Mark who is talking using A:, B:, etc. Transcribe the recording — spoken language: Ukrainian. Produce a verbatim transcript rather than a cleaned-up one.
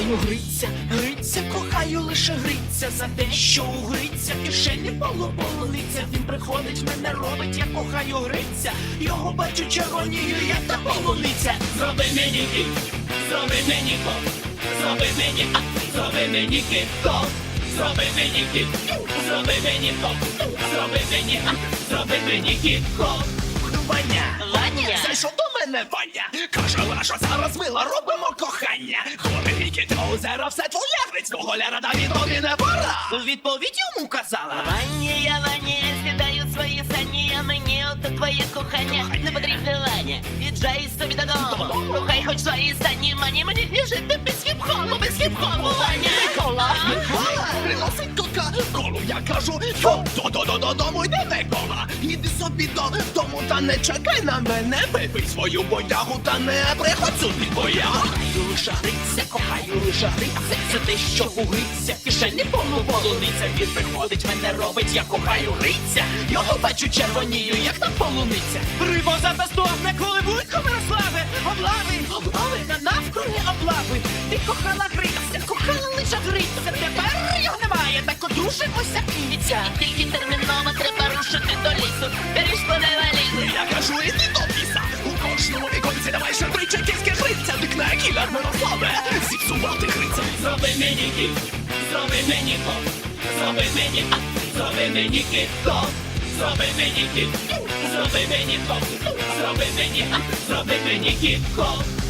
A: кохаю гриця, гриця, кохаю лише гриця. За те, що у гриця в кишені полу полуниця. Він приходить, мене робить, я кохаю гриця. Його бачу червонію, як та полуниця.
B: Зроби мені кіт, зроби мені кот, зроби мені а, зроби мені кіт, кот, зроби мені кіт, зроби мені кот, зроби мені а, зроби мені кіт, кот.
A: Ваня,
B: Ваня,
A: зайшов до мене Ваня. Каже, Лашо, зараз мила, робимо кохання. Хлопець кіт, озеро, все твоє гриць, твого ляра, Давід, тобі не пора. Відповідь йому казала.
B: Ваня, я Ваня, я сідаю свої сані, а мені ото твоє кохання не потрібне, Ваня. Віджай собі додому, кохай хоч свої сані, мані мені не жити без хіп-хопу, без хіп-хопу, Ваня.
A: Микола, Микола, приносить кока-колу, я кажу, йо, до-до-до-додому йде Микола. Іди собі додому та не чекай на мене, випий свою бодягу та не приходь сюди, бо я кохаю лише гриця, кохаю лише гриця. Це те, що у гриця в кишені повну полуниця. Він приходить, мене робить, я кохаю гриця. Його бачу червонію, як та полуниця.
C: Рибоза та стогне, коли будь Мирославе, облави,
A: Облави
C: на навкруги облави. Ти кохала гриця, кохала лише гриця. Тепер його немає, так одружимося кінця.
B: Тільки терміново треба рушити до лісу, беріж мене валізу.
A: Я кажу, іди до ліса. У кожному віконці давай ще три чеківські гриця. Дикна кілер Мирославе, зіпсувати гриця.
B: Зроби мені кіт, зроби мені кот, зроби мені а, зроби мені кіт, кот, зроби мені кіт, зроби мені кот, зроби мені а, зроби мені кіт, кот.